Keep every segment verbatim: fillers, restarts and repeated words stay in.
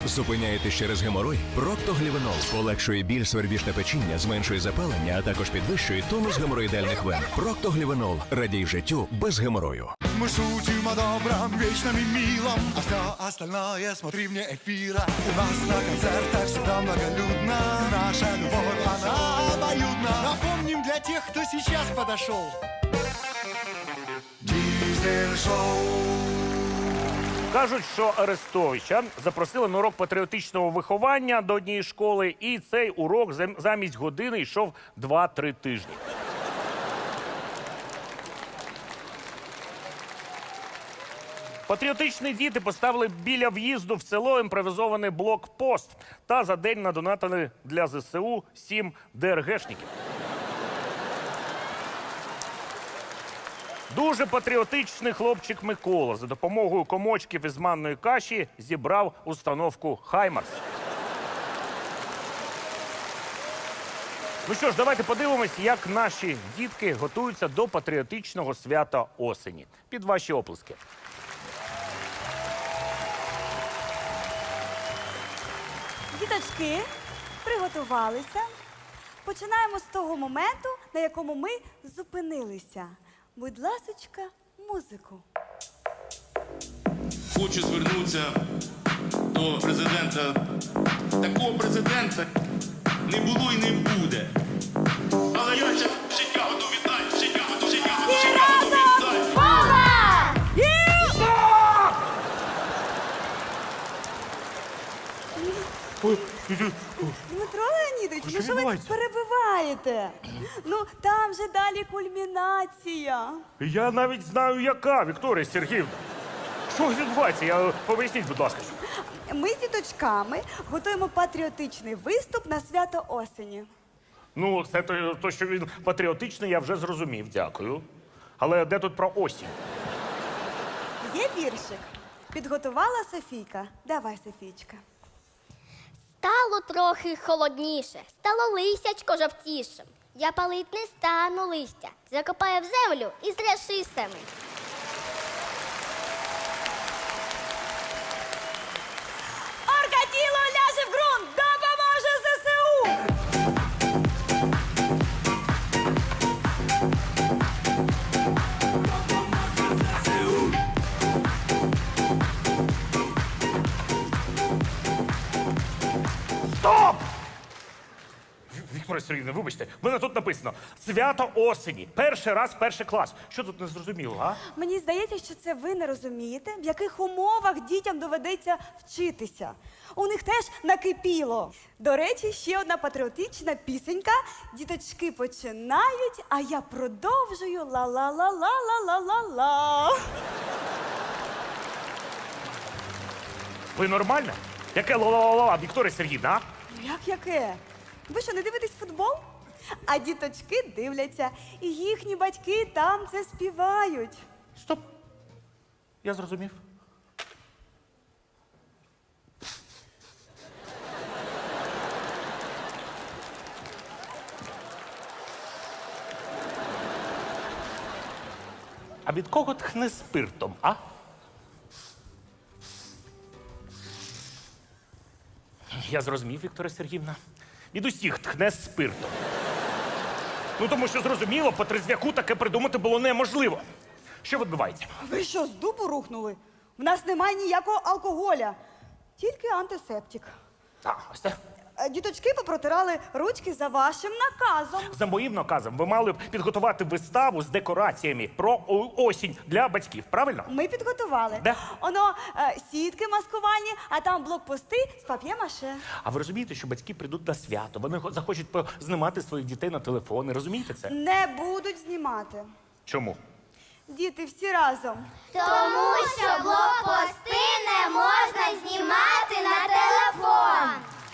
Зупиняєтесь через геморой? Проктоглівенол полегшує біль, свербіж та печіння, зменшує запалення, а також підвищує тонус геморроїдальних вен. Проктоглівенол. Радій життю без геморою. Мы шутим о добром, вечном и милом, а все остальное смотри вне эфира. У нас на концертах всегда многолюдно, наша любовь, она обоюдна. Напомним для тех, кто сейчас подошел. Дизель-шоу. Кажуть, що Арестовича запросили на урок патріотичного виховання до однієї школи, і цей урок зам- замість години йшов два-три тижні. Патріотичні діти поставили біля в'їзду в село імпровізований блокпост та за день надонатили для зе се у сім де ер гешників. Дуже патріотичний хлопчик Микола за допомогою комочків із манної каші зібрав установку «Хаймарс». Ну що ж, давайте подивимось, як наші дітки готуються до патріотичного свята осені. Під ваші оплески. Діточки, приготувалися. Починаємо з того моменту, на якому ми зупинилися. Будь ласочка, музику. Хочу звернутися до президента. Такого президента не було і не буде. Але я ще життя готов віддати, життя готов, життя готов, життя готов віддати. Дмитро Леонідович, ну що що ви відбувається? перебиваєте? Ну, там же далі кульмінація. Я навіть знаю, яка, Вікторія Сергіївна. Що відбувається? Я поясніть, будь ласка. Ми з діточками готуємо патріотичний виступ на свято осені. Ну, це то, то, що він патріотичний, я вже зрозумів, дякую. Але де тут про осінь? Є віршик. Підготувала Софійка. Давай, Софійчка. Стало трохи холодніше, стало лисячко жовтішим. Я палить не стану листя, закопаю в землю і зряши семень. Оркатіло ляже в ґрунт, допоможе зе се у! Стоп! Вікторія Сергіївна, вибачте, в мене тут написано «Свято осені». Перший раз, перший клас. Що тут не зрозуміло, а? Мені здається, що це ви не розумієте, в яких умовах дітям доведеться вчитися. У них теж накипіло. До речі, ще одна патріотична пісенька. Діточки починають, а я продовжую ла-ла-ла-ла-ла-ла-ла-ла. Ви нормальна? Яке ла-ла-ла-ла, Вікторія Сергіївна, а? Як яке? Ви що, не дивитесь футбол? А діточки дивляться, і їхні батьки там це співають. Стоп. Я зрозумів. А від кого тхне спиртом, а? Я зрозумів, Вікторія Сергіївна. Від усіх тхне спиртом. Ну, тому що, зрозуміло, по трезвяку таке придумати було неможливо. Що відбувається? Ви що, з дубу рухнули? В нас немає ніякого алкоголя, тільки антисептик. А, ось це. Е, Діточки попротирали ручки за вашим наказом. За моїм наказом ви мали б підготувати виставу з декораціями про о- осінь для батьків, правильно? Ми підготували. Де? Оно е, сітки маскувальні, а там блокпости з пап'є-маше. А ви розумієте, що батьки прийдуть на свято, вони хо- захочуть знімати своїх дітей на телефони, розумієте це? Не будуть знімати. Чому? Діти всі разом. Тому що блокпости не можна знімати на телефон.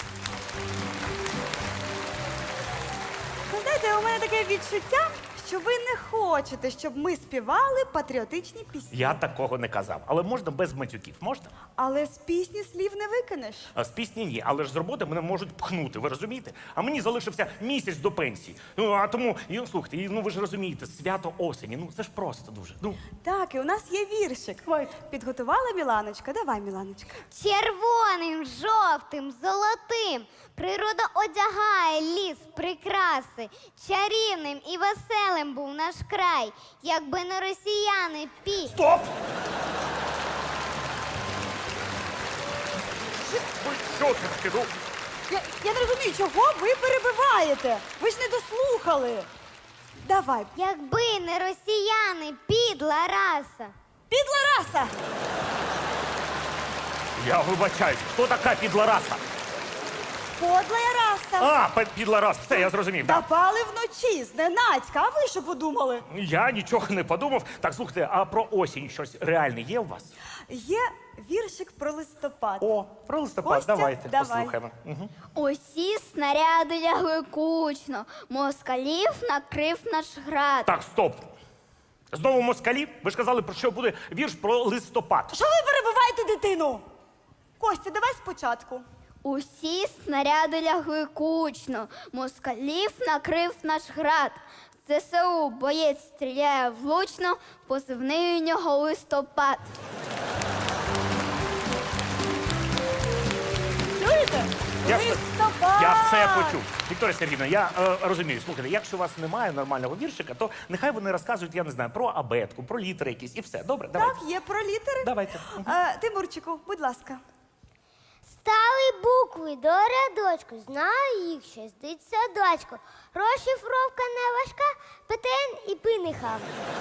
Ви знаєте, у мене таке відчуття, що ви не хочете, щоб ми співали патріотичні пісні. Я такого не казав. Але можна без матюків, можна? Але з пісні слів не викинеш. А з пісні ні, але ж з роботи мене можуть пхнути, ви розумієте? А мені залишився місяць до пенсії. Ну, а тому, і, слухайте, і, ну ви ж розумієте, свято осені, ну це ж просто дуже. Ну, Так, і у нас є віршик. Підготувала Міланочка? Давай, Міланочка. Червоним, жовтим. жовтим, золотим. Природа одягає ліс, прикраси. Чарівним і веселим був наш край, якби не росіяни пі. Стоп! Ви що це таке? Ну, Я, я не розумію, чого ви перебиваєте? Ви ж не дослухали. Давай, Якби не росіяни, підла раса. підла раса! я вибачаюсь, хто така підлараса? Подлая раса! А, пе- підларас, все, я зрозумів. Так. Напали вночі, зненацька, а ви що подумали? Я нічого не подумав. Так, слухайте, а про осінь щось реальне є у вас? Є віршик про листопад. О, про листопад, Костя, давайте, давай. послухаємо. Угу. Усі снаряди лягли кучно, москалів накрив наш град. Так, стоп. Знову москалі? Ви ж казали, про що буде вірш про листопад. Що ви перебиваєте дитину? Костя, давай спочатку. Усі снаряди лягли кучно, москалів накрив наш град. ЗСУ боєць стріляє влучно, позивний у нього листопад. Чуєте? Я все- Листопад! Я все почув. Вікторія Сергіївна, я е, розумію, слухайте, якщо у вас немає нормального віршика, то нехай вони розказують, я не знаю, про абетку, про літери якісь і все. Добре, давайте. Так, є про літери. Давайте. Е, Тимурчику, будь ласка. Стали букви до рядочку, знаю їх шістдесят садочку. Розшифровка не важка, ПТН і пиниха.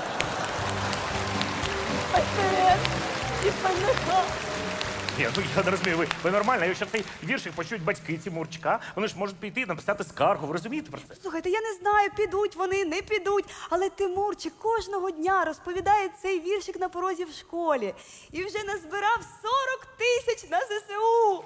І паниха. Ні, ну я не розумію, ви, ви нормально, якщо цей віршик почують батьки Тимурчика, вони ж можуть піти і написати скаргу, ви розумієте про це? Слухайте, я не знаю, підуть вони, не підуть, але Тимурчик кожного дня розповідає цей віршик на порозі в школі. І вже назбирав сорок тисяч на ЗСУ.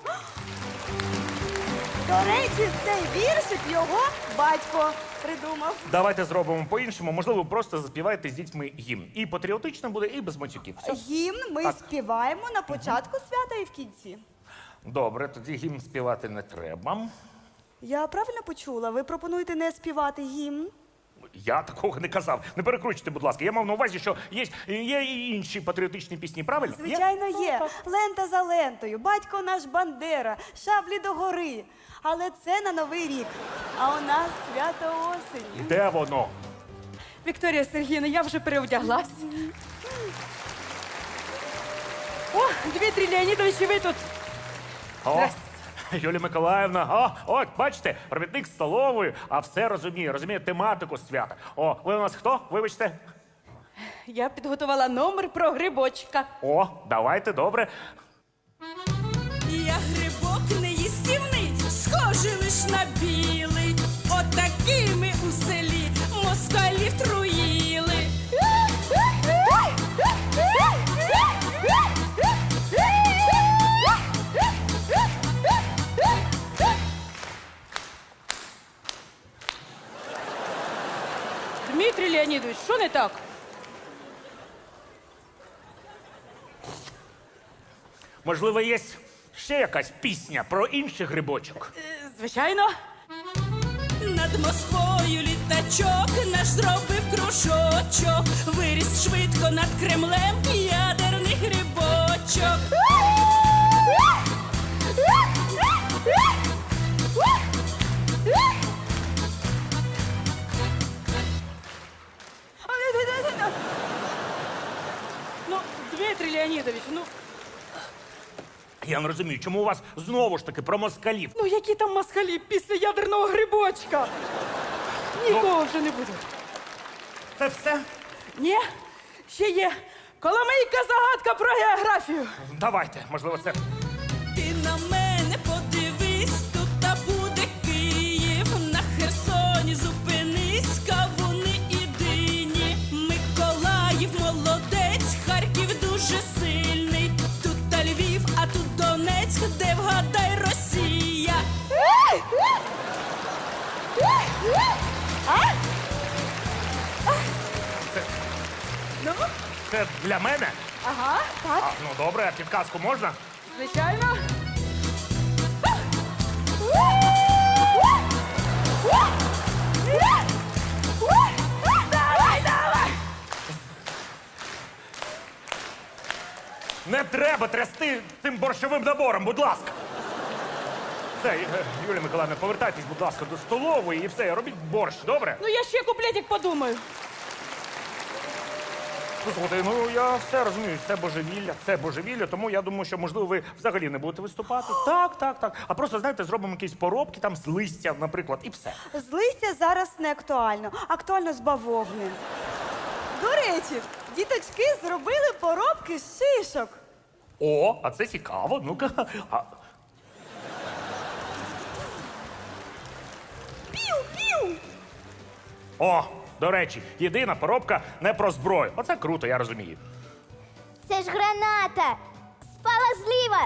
До речі, цей віршик його батько придумав. Давайте зробимо по-іншому, можливо, просто заспівайте з дітьми гімн. І патріотично буде, і без матюків. Все? Гімн ми Так. співаємо на початку свята і в кінці. Добре, тоді гімн співати не треба. Я правильно почула? Ви пропонуєте не співати гімн? Я такого не казав. Не перекручуйте, будь ласка. Я мав на увазі, що є, є і інші патріотичні пісні, правильно? Є? Звичайно, є. Лента за лентою, батько наш Бандера, шаблі до гори. Але це на Новий рік. А у нас свято осені. Де воно? Вікторія Сергіївна, я вже переодяглась. О, Дмитрій Леонідович, і ви тут. О, Здрасте. Юлія Миколаївна, о, от, бачите, робітник столової, а все розуміє, розуміє тематику свята. О, ви у нас хто? Вибачте. Я підготувала номер про грибочка. О, давайте, добре. Я грибок неїстівний, схожий лиш на білий. Отакими у селі москалів труїли. Дмитрій Леонідович, що не так? Можливо, є ще якась пісня про інших грибочок. Е, Звичайно. Над Москвою літачок наш зробив кружочок. Виріс швидко над Кремлем ядерний грибочок. Ну, Дмитрій Леонідович, ну, Я не розумію, чому у вас знову ж таки про москалів? ну які там москалі після ядерного грибочка? Нікого вже не буде. Це все? Ні, ще є Коломийка загадка про географію. Давайте, можливо, це. Ти на мене подивись, тут та буде Київ. На Херсоні зупинись, кавуни і дині. Миколаїв молодець, Харків дуже сильний. Тут та Львів, а тут Донецьк, де вгадай Росія. Ну, Це для мене? ага, так. А, ну добре, а підказку можна? Звичайно. Давай, давай! Не треба трясти цим борщовим набором, будь ласка. Все, е, Юлія Миколаївна, повертайтесь, будь ласка, до столової і все, робіть борщ, добре? Ну я ще куплетик подумаю. Ну, слухайте, ну я все розумію, це божевілля, це божевілля, тому я думаю, що, можливо, ви взагалі не будете виступати. Так, так, так. А просто, знаєте, зробимо якісь поробки там з листя, наприклад, і все. З листя зараз не актуально, актуально з бавовни. До речі, діточки зробили поробки з шишок. О, а це цікаво. Ну-ка. А, Пів-пів! о, до речі, єдина поробка не про зброю. Оце круто, я розумію. Це ж граната! Спала зліва!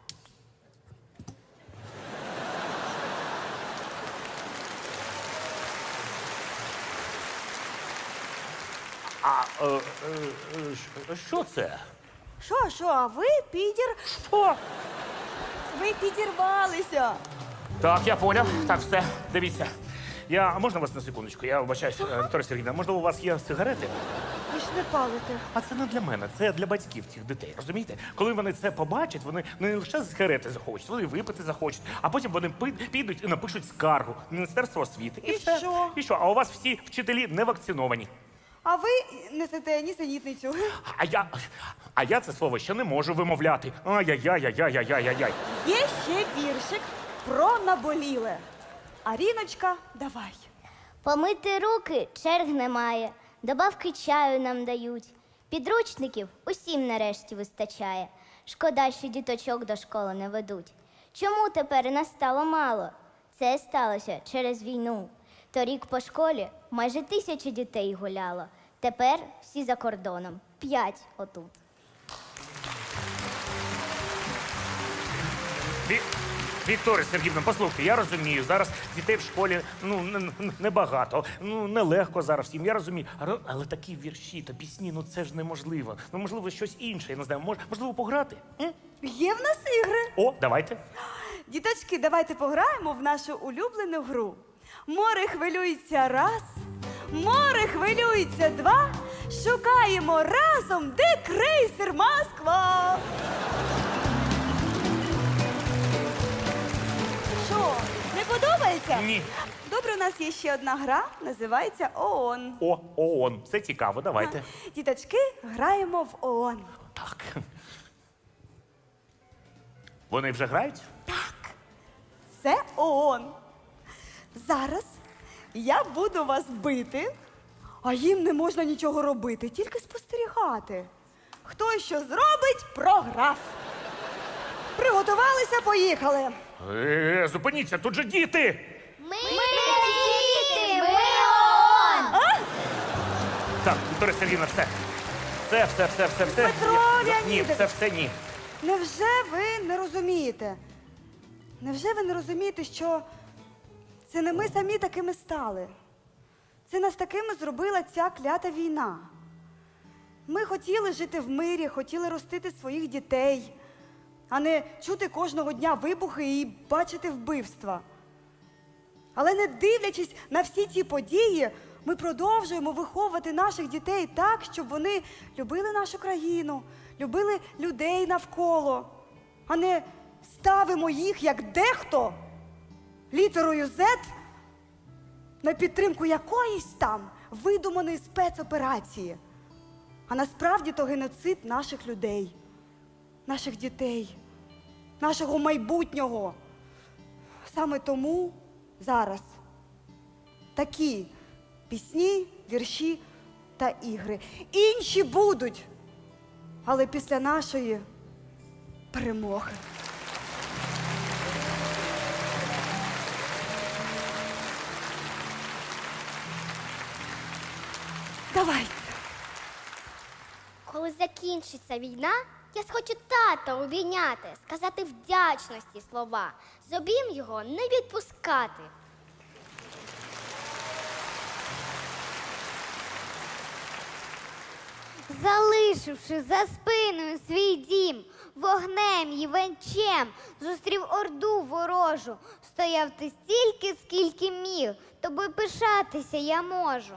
А е, е, е, щ- що це? Що, що, а ви підір... Що? Ви підірвалися. Так, я поняв. Так, все, дивіться. Я, а можна вас на секундочку? Я вибачаюсь, е, Вікторія Сергіївна, можливо, у вас є сигарети? Ви ж не палите. А це не для мене, це для батьків цих дітей. Розумієте? Коли вони це побачать, вони не лише сигарети захочуть, вони випити захочуть, а потім вони пи- підуть і напишуть скаргу в Міністерство освіти. І все. що? І що? А у вас всі вчителі не вакциновані. А ви несете нісенітницю. А я, а я це слово ще не можу вимовляти. Ай-яй-яй-яй-яй-яй-яй-яй. Є ще віршик про наболіле. Аріночка, давай. Помити руки черг немає, добавки чаю нам дають. Підручників усім нарешті вистачає. Шкода, що діточок до школи не ведуть. Чому тепер нас стало мало? Це сталося через війну. Торік по школі майже тисяча дітей гуляло. Тепер всі за кордоном. П'ять отут. Ві... Вікторія Сергіївна, послухайте, я розумію, зараз дітей в школі ну, не- не- небагато, ну, нелегко зараз всім, я розумію. Але, але такі вірші та пісні, ну це ж неможливо. Ну, можливо, щось інше, я не знаю, мож, можливо, пограти? М? Є в нас ігри. О, давайте. Діточки, давайте пограємо в нашу улюблену гру. Море хвилюється раз, море хвилюється два. Шукаємо разом, де крейсер Москва. Що, не подобається? Ні. Добре, у нас є ще одна гра, називається ООН. О, ООН, це цікаво, давайте. Діточки, граємо в ООН. Так. Вони вже грають? Це ООН. Зараз я буду вас бити, а їм не можна нічого робити, тільки спостерігати. Хто що зробить, програв. Приготувалися, поїхали. Е, зупиніться, тут же діти! Ми, діти, ми ООН! Так, Вікторія Сергіївна, все. Все, все, все, все, все. Петро Ні, Ні, Леонідович. це все ні. Невже ви не розумієте? Невже ви не розумієте, що це не ми самі такими стали? Це нас такими зробила ця клята війна. Ми хотіли жити в мирі, хотіли ростити своїх дітей, а не чути кожного дня вибухи і бачити вбивства. Але не дивлячись на всі ці події, ми продовжуємо виховувати наших дітей так, щоб вони любили нашу країну, любили людей навколо, а не ставимо їх, як дехто, літерою «З» на підтримку якоїсь там видуманої спецоперації. А насправді то геноцид наших людей, наших дітей, нашого майбутнього. Саме тому зараз такі пісні, вірші та ігри. Інші будуть, але після нашої перемоги. Давайте. Коли закінчиться війна, я схочу тата обійняти, сказати вдячності слова, з обійм його не відпускати. Залишивши за спиною свій дім, вогнем і венчем, зустрів орду ворожу, стояв ти стільки, скільки міг, тобою пишатися я можу.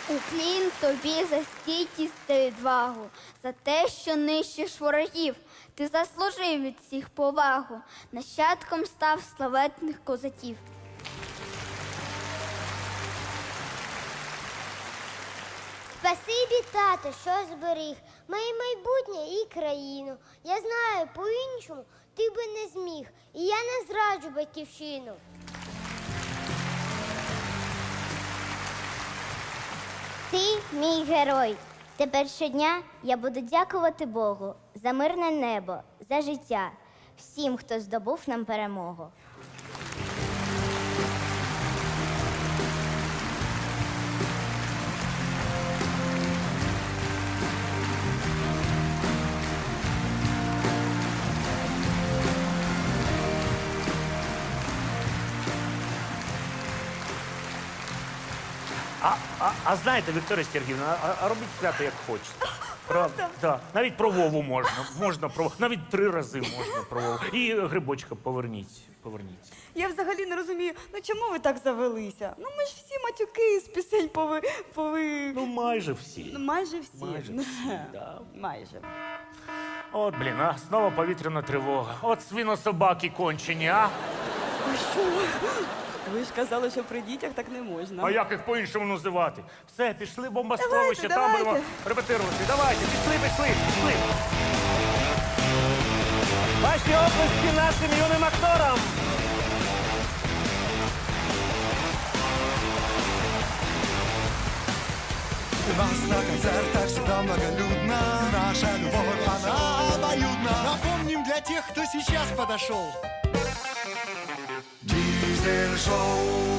Уклін тобі за стійкість та відвагу, за те, що нищиш ворогів. Ти заслужив від всіх повагу, нащадком став славетних козаків. Спасибі, тато, що зберіг моє майбутнє і країну. Я знаю, по-іншому ти би не зміг, і я не зраджу батьківщину. Ти мій герой. Тепер щодня я буду дякувати Богу за мирне небо, за життя, всім, хто здобув нам перемогу. А, а, а знаєте, Вікторія Сергіївна, а, а робіть свято як хочете. Правда? Так. Навіть про Вову можна. Можна про навіть три рази можна про Вову. І грибочка поверніть. Поверніть. Я взагалі не розумію, ну чому ви так завелися? Ну ми ж всі матюки з пісень пови... пови... Ну, майже всі. Ну, майже всі. Майже Ну, всі, да. Майже. От, блін, а знову повітряна тривога. От свинособаки кончені, а? Ну що? Ви ж казали, що при дітях так не можна. А як їх по-іншому називати? Все, пішли бомбосховище, Давайте, там давайте. будемо репетирувати. Давайте, пішли, пішли, пішли. Ваші оплески нашим юним акторам. У нас на концертах всегда многолюдно. Наша любовь, она обоюдна. Напомним для тех, кто сейчас подошел. Дизель-шоу.